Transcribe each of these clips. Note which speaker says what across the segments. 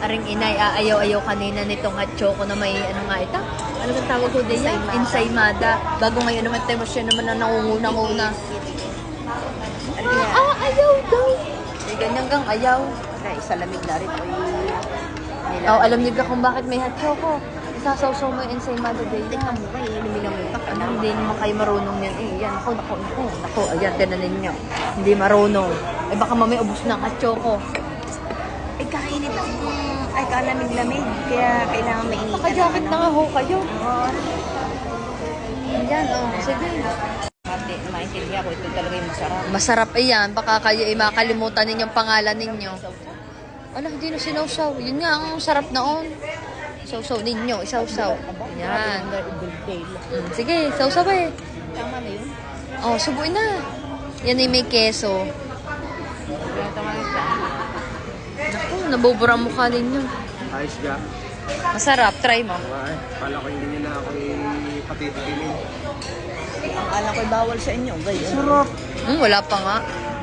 Speaker 1: Aring inay, aayaw-ayaw kanina nitong hot choco na may ano nga ito? Ano bang tawag ko din yan? Ensaymada. Bago ngayon naman tayo siya naman na nangunguna-nguna. Ayaw daw. Eh, ganyan gang ayaw.
Speaker 2: Isa lamig na rin.
Speaker 1: Alam niyo ba kung bakit may hot choco? Isasawsaw mo yung ensaymada day.
Speaker 2: Tingnan mo kayo, inumilang mo pa.
Speaker 1: Hindi naman kayo marunong yan. Yan, ako. Ayan, tinan ninyo. Hindi marunong. Baka mamay ubos na hot choco.
Speaker 2: Kainit ang kalamig-lamig. Kaya kailangan mainit.
Speaker 1: Naka-jacket na nga ho kayo. Yan, sige.
Speaker 2: Maintindihan ko, ito talaga yung masarap.
Speaker 1: Masarap yan. Baka kayo makalimutan ninyong pangalan ninyo. Hindi na sinawsaw. Yun nga, ang sarap noon. Sausaw ninyo, isawsaw. Yan. Sige, sausaw eh.
Speaker 2: Tama na yun?
Speaker 1: Subuin na. Yan ay may keso.
Speaker 2: Tama na siya.
Speaker 1: Naku, nabubura ang mukha ninyo.
Speaker 3: Ayos ka.
Speaker 1: Masarap, try mo.
Speaker 3: Ay, pala ko hindi nyo na ako patitikimin.
Speaker 2: Ang alam ko'y bawal sa inyo.
Speaker 3: Sarap.
Speaker 1: Wala pa nga.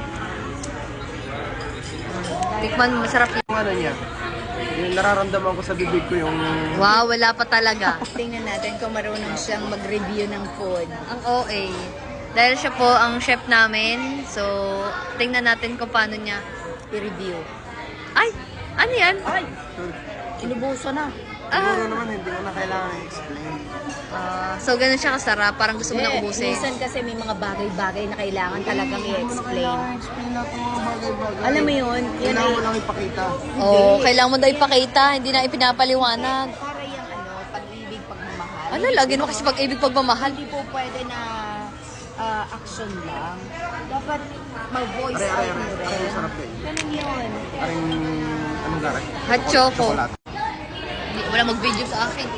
Speaker 1: Tikman, masarap yun.
Speaker 3: Yung ano niya, yung nararamdaman ko sa bibig ko yung...
Speaker 1: Wow, wala pa talaga.
Speaker 2: Tingnan natin kung marunong siyang mag-review ng food.
Speaker 1: Ang OA. Dahil siya po ang chef namin, so tingnan natin kung paano niya i-review. Ay! Ano yan?
Speaker 2: Ay! Inubuso na.
Speaker 3: Siguro naman, hindi ko na kailangan i-explain.
Speaker 1: So ganun siya kasarap, parang gusto mo na ubusin.
Speaker 2: Minsan kasi may mga bagay-bagay na kailangan talagang i-explain.
Speaker 3: I-explain natin mga bagay-bagay.
Speaker 2: Alam mo yun? Yan
Speaker 3: Kailangan
Speaker 2: ay...
Speaker 3: mo lang ipakita.
Speaker 1: Kailangan mo daw ipakita, hindi na ipinapaliwanag.
Speaker 2: Para yung pag-ibig, pagmamahal.
Speaker 1: Lagi mo kasi pag-ibig, pagmamahal.
Speaker 2: Hindi po pwede na action lang. Dapat mag-voice out mo rin.
Speaker 3: Aray, sarap din.
Speaker 2: Ganun yun.
Speaker 3: Aring, anong garay?
Speaker 1: Hot choco.
Speaker 3: Chocolate.
Speaker 1: Wala mag-video sa akin.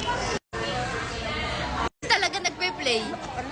Speaker 1: Talaga nagpe-play.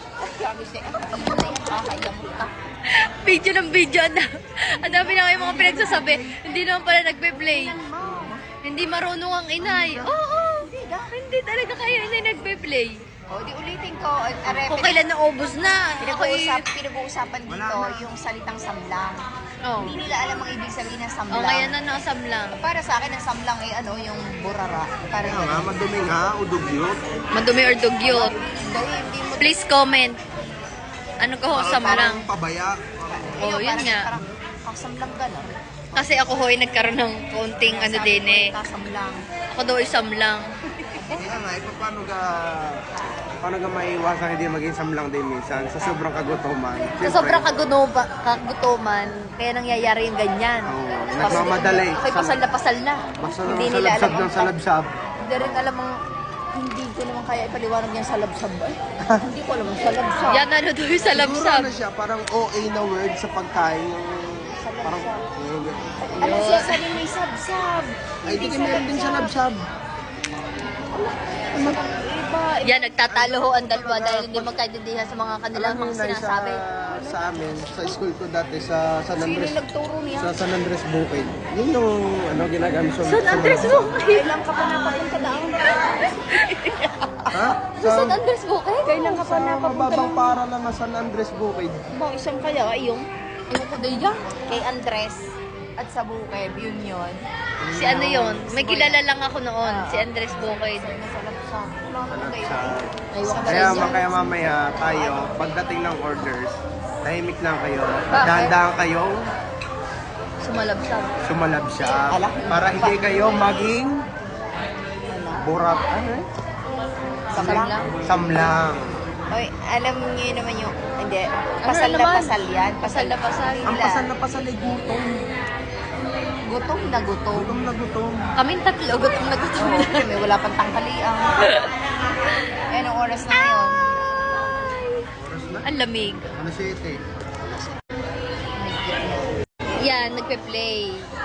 Speaker 1: Video ng video. Ang dami na kayo mga pinagsasabi. Hindi naman pala nagpe-play. Hindi marunong ang inay. Oo. Hindi talaga kayo inay nagpe-play.
Speaker 2: Di ulitin ko.
Speaker 1: Kung kailan naubos na.
Speaker 2: Pinag-uusapan dito yung salitang samlang. Hindi nila alam ang ibig sabihin ng samlang.
Speaker 1: Ngayon na nakasamlang.
Speaker 2: Para sa akin, ang samlang ay yung burara. Parang
Speaker 3: Ano nga, madumi nga, udugyot.
Speaker 1: Madumi or dugyot.
Speaker 2: hindi mo...
Speaker 1: Please comment. Ano ka ho, samlang?
Speaker 3: Parang pabaya.
Speaker 1: Yun nga.
Speaker 2: Parang samlang ka na.
Speaker 1: Kasi ako ho ay nagkaroon ng konting din eh.
Speaker 2: Samlang.
Speaker 1: Ako daw ay samlang.
Speaker 3: Kaya nga, paano ka maiwasan hindi maging samlang din minsan sa sobrang kagutuman?
Speaker 1: Sa sobrang kagutuman, kaya nangyayari yung ganyan.
Speaker 3: Nagmamadali.
Speaker 1: Ako'y pasal na pasal na.
Speaker 3: Basta
Speaker 1: Hindi
Speaker 3: naman
Speaker 1: nila
Speaker 3: salabsab
Speaker 1: alam.
Speaker 3: ng salabsab.
Speaker 2: Hindi rin alam ang... Hindi ko naman kaya ipaliwanag yung salabsab. Hindi ko alam ang salabsab.
Speaker 1: Yan ano daw yung
Speaker 3: Siguro
Speaker 1: salabsab.
Speaker 3: na siya, parang OA na word sa pagkain. Parang...
Speaker 2: Ano siya sabi may sabsab?
Speaker 3: Ay, di ka meron din salabsab.
Speaker 2: Iba.
Speaker 1: Yan, nagtatalo ho ang dalawa dahil hindi magkaintindihan sa mga kanilang mga sinasabi.
Speaker 3: Sa amin, sa school ko dati sa San
Speaker 2: Sino
Speaker 3: Andres.
Speaker 2: yung nagturo niya?
Speaker 3: Sa San Andres Bukid. Yun yung ginagamit sa...
Speaker 1: San Andres Bukid?
Speaker 2: Kailan ka pa napapunta doon?
Speaker 3: Ha?
Speaker 1: Sa San Andres Bukid?
Speaker 2: Kailan ka pa
Speaker 3: Sa
Speaker 2: napapunta
Speaker 3: mababang
Speaker 2: doon?
Speaker 3: para lang sa San Andres Bukid.
Speaker 2: Bang isang kaya yung
Speaker 1: Ewan ko din yan.
Speaker 2: kay Andres at sa Bukeb, yun.
Speaker 1: Si ano yun? May kilala lang ako noon. Si Andres Bukid.
Speaker 2: Salabsab. Wala ko kayo.
Speaker 1: Aywan ko
Speaker 3: Kaya,
Speaker 1: rin yan.
Speaker 3: kaya mamaya tayo, pagdating ng orders, tahimik lang kayo. Dahan-dahan kayong
Speaker 1: Sumalabsab.
Speaker 3: sumalabsab.
Speaker 2: Ala.
Speaker 3: Para hindi kayo maging burat. Ano eh?
Speaker 1: Samlang.
Speaker 3: Samlang.
Speaker 2: Oy, alam niyo naman yung... Hindi.
Speaker 1: Ano
Speaker 2: Pasal na
Speaker 1: naman?
Speaker 2: pasal yan.
Speaker 1: Pasal na pasal.
Speaker 3: Ang pasal na pasal ay gutom.
Speaker 2: Gutom na gutom.
Speaker 3: Gutom na gutom.
Speaker 1: Kaming tatlo, gutom na gutom na.
Speaker 2: May wala pang tangkaliang. Anong oras na ngayon?
Speaker 3: Oras na?
Speaker 1: Ang lamig.
Speaker 3: Ano siya ito eh?
Speaker 1: Yan, nagpe-play.